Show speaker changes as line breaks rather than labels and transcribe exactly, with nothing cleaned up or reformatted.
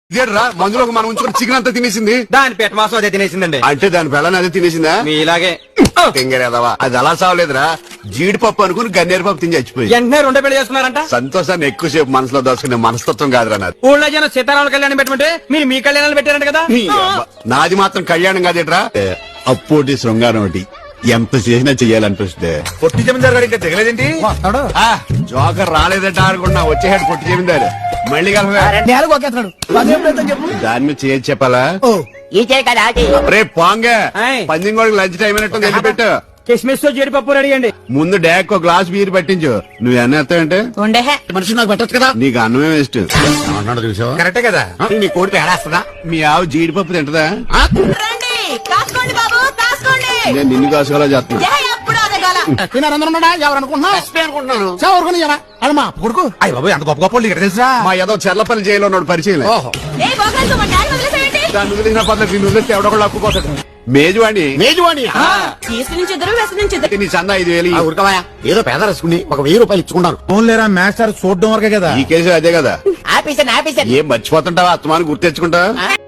ఇదేట్రా మందులో మనం ఉంచుకుని చికెన్ అంతా తినేసింది.
దాని పెట్ట మాసం అదే తినేసిందండి.
అంటే దాని పిల్లని అదే తినేసిందా?
మీలాగే
తెంగరేదవా అది అలా సావలేదురా, జీడిపప్పు అనుకుని గన్నేరు పప్పు తిని చచ్చిపోయి.
వెంటనే రెండో పెళ్లి చేసుకున్నారంట.
సంతోషాన్ని ఎక్కువసేపు మనసులో దోచుకునే మనస్తత్వం కాదురా నాది.
ఊళ్ళో జనం సీతారాముల కళ్యాణం పెట్టమంటే మీరు మీ కళ్యాణాలు పెట్టారంట కదా.
నీ అబ్బ. నాది మాత్రం కళ్యాణం కాదేట్రా, అప్పోటి శృంగారం ఒకటి ఎంత చేసినా చెయ్యాలనిపిస్తే.
పొట్టి జమీందారు గారు ఇంకా దిగలేదేంటి?
ఆ, జోకర్ రాలేదంట అనుకున్నా, వచ్చేసాడు పొట్టి జమీందారు. మళ్ళీ కలవా దాని మీద చేయొచ్చు చెప్పాలా? రే పాంగే,
ఆయ్.
పందింగోడికి లంచ్ టైం అయినట్టు వెళ్ళి పెట్టు.
కిస్మిస్ జీడిపప్పు రెడీ అండి.
ముందు డాక్ ఒక గ్లాస్ బీర్ పట్టించు. నువ్వు ఎన్న ఎత్తావంటే
మనిషి నాకు పెట్టచ్చు కదా.
నీకు అన్నమే వేస్ట్.
అన్నాడు చూసావా?
కరెక్టే కదా.
నీ కోడి పేడేస్తుందా?
మీ ఆవు జీడిపప్పు తింటదా?
రండి కాసుకోండి బాబు కాసుకోండి.
నేను నిన్ను కాసుకోవాలా చేస్తున్నా.
ఏ ఎప్పుడు అదగాల
తినారందరూ ఉన్నాడా? ఎవరు అనుకుంటున్నా?
అనుకుంటున్నాను.
ఎవరుకుని అమ్మా కొడుకు.
అయ్య బాబు ఎంత గొప్ప గొప్ప వాళ్ళు ఇక్కడ తెలుసా?
మా ఏదో చెర్లపల్లి జైల్లో ఉన్నాడు పరిచయం.
ఓహో,
ఏ బోగల్తో మా డాడీ వదిలేసేయండి.
దాన్ని వదిలిన పద్ధతి నిన్ను వదిలిస్తే ఎవడొకళ్ళు అప్పుకోతాడు. మేజువాణి
మేజువాణి.
ఈస్ట్ నుంచి ఇద్దరు వెస్ట్ నుంచి ఇద్దరు.
నీ చందా ఐదు వేలు.
ఉరకవాయా, ఏదో పేద రసుకుని ఒక వెయ్యి రూపాయలు ఇచ్చుకున్నాను.
ఫోన్ లేరా మ్యాచ్ సార్ చూడడం వరకే కదా.
ఈ కేసు అదే కదా.
ఆపేసాను ఆపేసాను.
ఏం మర్చిపోతుంటావా? అత్తమాని గుర్తు తెచ్చుకుంటావా?